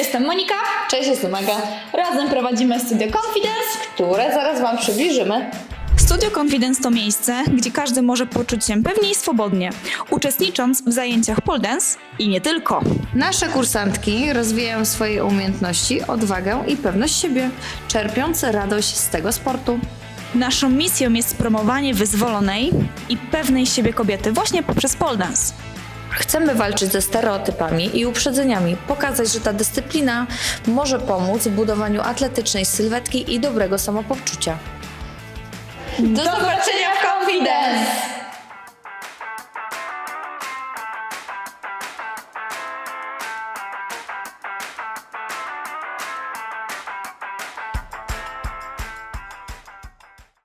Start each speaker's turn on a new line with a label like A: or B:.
A: jestem Monika.
B: Cześć, jestem Aga,
A: Razem prowadzimy Studio Confidence.
B: które zaraz Wam przybliżymy.
A: Studio Confidence to miejsce, gdzie każdy może poczuć się pewnie i swobodnie, uczestnicząc w zajęciach pole dance i nie tylko.
B: Nasze kursantki rozwijają swoje umiejętności, odwagę i pewność siebie, czerpiąc radość z tego sportu.
A: Naszą misją jest promowanie wyzwolonej i pewnej siebie kobiety właśnie poprzez pole dance.
B: Chcemy walczyć ze stereotypami i uprzedzeniami, pokazać, że ta dyscyplina może pomóc w budowaniu atletycznej sylwetki i dobrego samopoczucia.
A: Do zobaczenia w Confidence!